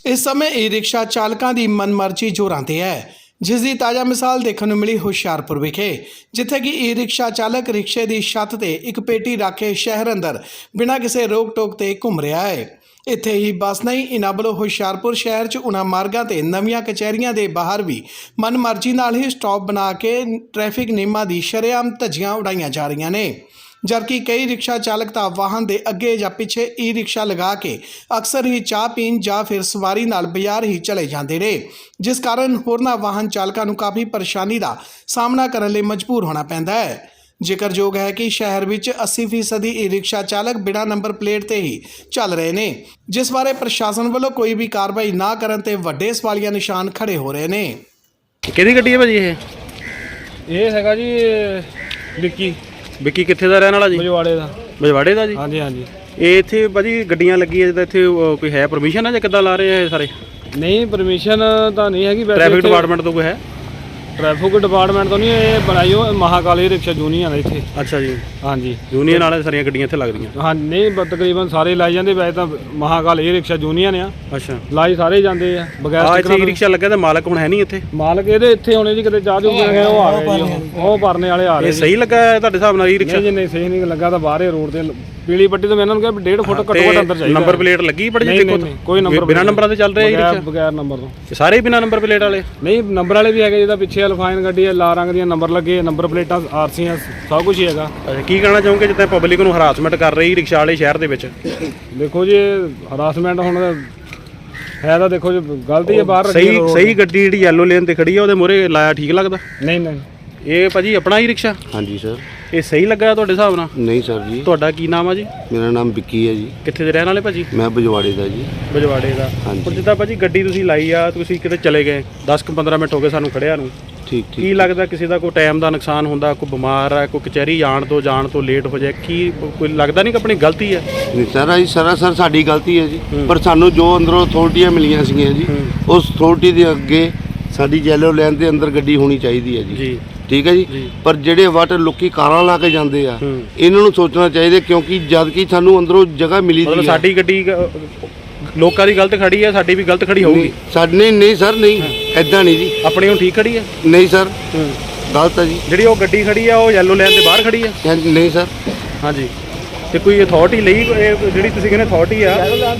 इस समय e rickshaw चालकों की मनमर्जी जोरां ते है, जिस की ताज़ा मिसाल देखने को मिली हुशियारपुर विखे, जिथे कि ई रिक्शा चालक रिक्शे की छत ते एक पेटी रख के शहर अंदर बिना किसी रोक टोक ते घूम रहा है। इत्थे ही बस नहीं, इन्हां वल्लों हुशियारपुर शहर च उन्हां मार्गां ते नवीं कचहरियां दे बाहर भी मनमर्जी नाल ही स्टॉप बना के ट्रैफिक नियमां दी शरेआम धज्जियां उड़ाईयां जा रहीआं ने, जबकि कई रिक्शा चालक तां वाहन दे अगे या पिछे ई रिक्शा लगा के अक्सर ही चाह पीन या फिर सवारी नाल बाजार ही चले जाते रहे, जिस कारण होरनां वाहन चालकों को काफ़ी परेशानी का सामना करने लई मजबूर होना पैंदा है। जिक्रयोग है कि शहर विच 80% ई रिक्शा चालक बिना नंबर प्लेट ते ही चल रहे ने, जिस बारे प्रशासन वालों कोई भी कार्रवाई ना करन ते वड्डे सवालिया निशान खड़े हो रहे ने। किहदी गड्डी है भाजी ਇਹ ਹੈਗਾ ਜੀ ਵਿੱਕੀ ਵਿੱਕੀ ਕਿੱਥੇ ਦਾ ਰਹਿਣ ਵਾਲਾ ਜੀ? ਬਜਵਾੜੇ ਦਾ ਜੀ। ਹਾਂਜੀ ਹਾਂਜੀ। ਇਹ ਇੱਥੇ ਭਾਜੀ ਗੱਡੀਆਂ ਲੱਗੀਆਂ ਜਿੱਦਾਂ ਇੱਥੇ ਕੋਈ ਹੈ ਪਰਮਿਸ਼ਨ ਹੈ ਜਾਂ ਕਿੱਦਾਂ ਲਾ ਰਹੇ ਆ ਇਹ ਸਾਰੇ? ਨਹੀਂ ਪਰਮਿਸ਼ਨ ਤਾਂ ਨਹੀਂ ਹੈਗੀ, ਵੈਸੇ ਟ੍ਰੈਫਿਕ ਡਿਪਾਰਟਮੈਂਟ ਤੋਂ ਕੋਈ ਹੈ? ਟ੍ਰੈਫਿਕ ਡਿਪਾਰਟਮੈਂਟ ਤੋਂ ਨਹੀਂ, ਇਹ ਬਣਾਈ ਉਹ ਮਹਾਕਾਲੀ ਰਿਕਸ਼ਾ ਯੂਨੀਅਨ ਹੈ ਇੱਥੇ। ਅੱਛਾ ਜੀ। ਹਾਂਜੀ, ਯੂਨੀਅਨ ਵਾਲੇ ਸਾਰੀਆਂ ਗੱਡੀਆਂ ਇੱਥੇ ਲੱਗਦੀਆਂ? ਹਾਂ ਨਹੀਂ ਤਕਰੀਬਨ ਸਾਰੇ ਲਾਈ ਜਾਂਦੇ, ਵੈਸੇ ਤਾਂ ਮਹਾਕਾਲੀ ਰਿਕਸ਼ਾ ਯੂਨੀਅਨ ਆ। ਅੱਛਾ, ਲਾਈ ਸਾਰੇ ਜਾਂਦੇ ਆ ਬਗੈਰ ਇੱਥੇ ਰਿਕਸ਼ਾ ਲੱਗਾ ਤਾਂ ਮਾਲਕ ਹੁਣ ਹੈ ਨਹੀਂ ਇੱਥੇ? ਮਾਲਕ ਇਹਦੇ ਇੱਥੇ ਹੋਣੇ ਜੀ, ਕਿਤੇ ਚਾਹ ਚੂ ਉਹ ਆ ਗਏ ਜੀ, ਉਹ ਭਰਨੇ ਵਾਲੇ ਆ ਰਹੇ। ਇਹ ਸਹੀ ਲੱਗਾ ਤੁਹਾਡੇ ਹਿਸਾਬ ਨਾਲ ਇਹ ਰਿਕਸ਼ਾ? ਨਹੀਂ ਨਹੀਂ ਸਹੀ ਨਹੀਂ ਲੱਗਾ, ਤਾਂ ਬਾਹਰੇ ਰੋਡ ਤੇ ਪੀਲੀ ਪੱਟੀ ਤੋਂ ਮੈਂ ਇਹਨਾਂ ਨੂੰ ਕਿਹਾ 1.5 ਫੁੱਟ ਘੱਟੋ ਘੱਟ ਅੰਦਰ ਚਾਹੀਦਾ। ਨੰਬਰ ਪਲੇਟ ਲੱਗੀ ਬੜੀ ਜੀ? ਦੇਖੋ ਕੋਈ ਨੰਬਰ ਬਿਨਾਂ ਨੰਬਰਾਂ ਤੇ ਚੱਲ ਰਿਹਾ ਇਹ ਰਿਕਸ਼ਾ? ਬਗੈਰ ਨੰਬਰ ਤੋਂ ਸਾਰੇ ਬਿਨਾਂ ਨੰਬਰ ਪਲੇਟ ਵਾਲੇ? ਨਹੀਂ ਨੰਬਰ ਵਾਲੇ ਵੀ ਹੈਗੇ, ਜਿਹਦਾ ਪਿੱਛੇ ਅਲਫਾਈਨ ਗੱਡੀ ਹੈ, ਲਾਲ ਰੰਗ ਦੀਆਂ ਨੰਬਰ ਲੱਗੇ, ਨੰਬਰ ਪਲੇਟਾਂ ਆਰਸੀਆਂ ਸਭ ਕੁਝ ਹੀ ਹੈਗਾ। ਅੱਛਾ, ਕੀ ਕਹਿਣਾ ਚਾਹੋਗੇ ਜਿੱਦਾਂ ਪਬਲਿਕ ਨੂੰ ਹਰਾਸਮੈਂਟ ਕਰ ਰਹੀ ਰਿਕਸ਼ਾ ਵਾਲੇ ਸ਼ਹਿਰ ਦੇ ਵਿੱਚ? ਦੇਖੋ ਜੀ ਹਰਾਸਮੈਂਟ ਹੁਣ ਹੈ ਤਾਂ ਦੇਖੋ ਜੀ ਗਲਤੀ ਹੈ, ਬਾਹਰ ਸਹੀ ਗੱਡੀ ਜਿਹੜੀ ਯੈਲੋ ਲੇਨ ਤੇ ਖੜੀ ਆ ਉਹਦੇ ਮੂਹਰੇ ਲਾਇਆ ਠੀਕ ਲੱਗਦਾ? ਨਹੀਂ ਨਹੀਂ। ਇਹ ਭਾਜੀ ਆਪਣਾ ਹੀ ਰਿਕਸ਼ਾ? ਹਾਂਜੀ ਸਰ। ਇਹ ਸਹੀ ਲੱਗਾ ਤੁਹਾਡੇ ਹਿਸਾਬ ਨਾਲ? ਨਹੀਂ ਸਰ ਜੀ। ਤੁਹਾਡਾ ਕੀ ਨਾਮ ਆ ਜੀ? ਮੇਰਾ ਨਾਮ ਵਿੱਕੀ ਹੈ ਜੀ। ਕਿੱਥੇ ਦੇ ਰਹਿਣ ਵਾਲੇ ਭਾਜੀ? ਮੈਂ ਬਜਵਾੜੇ ਦਾ ਜੀ। ਬਜਵਾੜੇ ਦਾ। ਹੁਣ ਜਿੱਦਾਂ ਭਾਜੀ ਗੱਡੀ ਤੁਸੀਂ ਲਾਈ ਆ, ਤੁਸੀਂ ਕਿਤੇ ਚਲੇ ਗਏ 10-15 ਮਿੰਟ ਹੋ ਗਏ ਸਾਨੂੰ ਖੜਿਆ ਨੂੰ, ਠੀਕ ਕੀ ਲੱਗਦਾ ਕਿਸੇ ਦਾ ਕੋਈ ਟਾਈਮ ਦਾ ਨੁਕਸਾਨ ਹੁੰਦਾ, ਕੋਈ ਬਿਮਾਰ ਹੈ, ਕੋਈ ਕਚਹਿਰੀ ਜਾਣ ਤੋਂ ਲੇਟ ਹੋ ਜਾਏ, ਕੀ ਕੋਈ ਲੱਗਦਾ ਨਹੀਂ ਕਿ ਆਪਣੀ ਗਲਤੀ ਹੈ? ਨਹੀਂ ਸਰ, ਜੀ ਸਰਾਸਰ ਸਾਡੀ ਗਲਤੀ ਹੈ ਜੀ, ਪਰ ਸਾਨੂੰ ਜੋ ਅੰਦਰੋਂ ਅਥਾਰਟੀਆਂ ਮਿਲੀਆਂ ਸੀਗੀਆਂ ਜੀ, ਉਸ ਅਥਾਰਟੀ ਦੇ ਅੱਗੇ ਸਾਡੀ ਯੈਲੋ ਲਾਈਨ ਦੇ ਅੰਦਰ ਗੱਡੀ ਹੋਣੀ ਚਾਹੀਦੀ ਹੈ ਜੀ। ਠੀਕ ਹੈ ਜੀ। ਪਰ ਜਿਹੜੇ ਵਾਟਰ ਲੋਕੀ ਕਾਰਾਂ ਲਾ ਕੇ ਜਾਂਦੇ ਆ, ਇਹਨਾਂ ਨੂੰ ਸੋਚਣਾ ਚਾਹੀਦਾ, ਕਿਉਂਕਿ ਜਦ ਕਿ ਸਾਨੂੰ ਅੰਦਰੋਂ ਜਗ੍ਹਾ ਮਿਲੀ ਸੀ। ਸਾਡੀ ਗੱਡੀ ਲੋਕਾਂ ਦੀ ਗਲਤ ਖੜੀ ਹੈ, ਸਾਡੀ ਵੀ ਗਲਤ ਖੜੀ ਹੋਊਗੀ? ਸਾਡੀ ਨਹੀਂ ਸਰ, ਨਹੀਂ ਐਦਾਂ ਨਹੀਂ ਜੀ। ਆਪਣੀ ਹੁਣ ਠੀਕ ਖੜੀ ਹੈ? ਨਹੀਂ ਸਰ, ਗਲਤ ਹੈ ਜੀ। ਜਿਹੜੀ ਉਹ ਗੱਡੀ ਖੜੀ ਆ ਉਹ ਯੈਲੋ ਲਾਈਨ ਦੇ ਬਾਹਰ ਖੜੀ ਹੈ? ਨਹੀਂ ਸਰ। ਹਾਂਜੀ, ਤੇ ਕੋਈ ਅਥਾਰਟੀ ਲਈ ਜਿਹੜੀ ਤੁਸੀਂ ਕਹਿੰਦੇ ਅਥਾਰਟੀ ਆ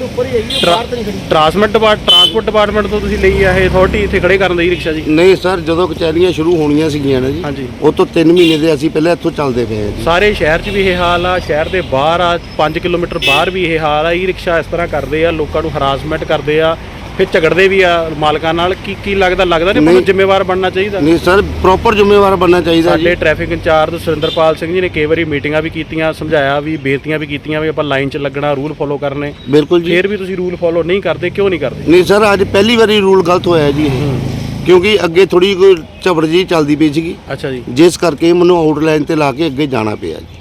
ਟਰਾਂਸਪੋਰਟ ਡਿਪਾਰਟਮੈਂਟ ਤੋਂ ਤੁਸੀਂ ਲਈ ਆ ਇਹ ਅਥਾਰਟੀ ਇੱਥੇ ਖੜੇ ਕਰਨ ਦੀ ਰਿਕਸ਼ਾ ਜੀ? ਨਹੀਂ ਸਰ, ਜਦੋਂ ਕਚਹਿਰੀਆਂ ਸ਼ੁਰੂ ਹੋਣੀਆਂ ਸੀਗੀਆਂ ਨਾ ਜੀ, ਹਾਂਜੀ, ਉਹ ਤੋਂ 3 ਮਹੀਨੇ ਦੇ ਅਸੀਂ ਪਹਿਲਾਂ ਇੱਥੋਂ ਚੱਲਦੇ ਪਏ ਹਾਂ ਜੀ। ਸਾਰੇ ਸ਼ਹਿਰ 'ਚ ਵੀ ਇਹ ਹਾਲ ਆ, ਸ਼ਹਿਰ ਦੇ ਬਾਹਰ ਆ 5 ਕਿਲੋਮੀਟਰ ਬਾਹਰ ਵੀ ਇਹ ਹਾਲ ਆ। ਇਹ ਰਿਕਸ਼ਾ ਇਸ ਤਰ੍ਹਾਂ ਕਰਦੇ ਆ, ਲੋਕਾਂ ਨੂੰ ਹਰਾਸਮੈਂਟ ਕਰਦੇ ਆ, ਫਿਰ ਝਗੜਦੇ ਵੀ ਆ ਮਾਲਕਾਂ ਨਾਲ। ਕੀ ਲੱਗਦਾ ਨਹੀਂ ਮੈਨੂੰ ਜ਼ਿੰਮੇਵਾਰ ਬਣਨਾ ਚਾਹੀਦਾ? ਨਹੀਂ ਸਰ, ਪ੍ਰੋਪਰ ਜ਼ਿੰਮੇਵਾਰ ਬਣਨਾ ਚਾਹੀਦਾ ਜੀ। ਸਾਡੇ ਟ੍ਰੈਫਿਕ ਇੰਚਾਰਜ ਸੁਰਿੰਦਰਪਾਲ ਸਿੰਘ ਜੀ ਨੇ ਕਈ ਵਾਰੀ ਮੀਟਿੰਗਾਂ ਵੀ ਕੀਤੀਆਂ, ਸਮਝਾਇਆ ਵੀ, ਬੇਨਤੀਆਂ ਵੀ ਕੀਤੀਆਂ ਵੀ ਆਪਾਂ ਲਾਈਨ 'ਚ ਲੱਗਣਾ, ਰੂਲ ਫੋਲੋ ਕਰਨੇ। ਬਿਲਕੁਲ ਜੀ। ਫਿਰ ਵੀ ਤੁਸੀਂ ਰੂਲ ਫੋਲੋ ਨਹੀਂ ਕਰਦੇ, ਕਿਉਂ ਨਹੀਂ ਕਰਦੇ? ਨਹੀਂ ਸਰ, ਅੱਜ ਪਹਿਲੀ ਵਾਰੀ ਰੂਲ ਗਲਤ ਹੋਇਆ ਜੀ ਇਹ, ਕਿਉਂਕਿ ਅੱਗੇ ਥੋੜੀ ਕੋਈ ਝਬੜ ਜੀ ਚੱਲਦੀ ਪਈ ਸੀਗੀ। ਅੱਛਾ ਜੀ। ਜਿਸ ਕਰਕੇ ਮੈਨੂੰ ਆਊਟਲਾਈਨ ਤੇ ਲਾ ਕੇ ਅੱਗੇ ਜਾਣਾ ਪਿਆ ਜੀ।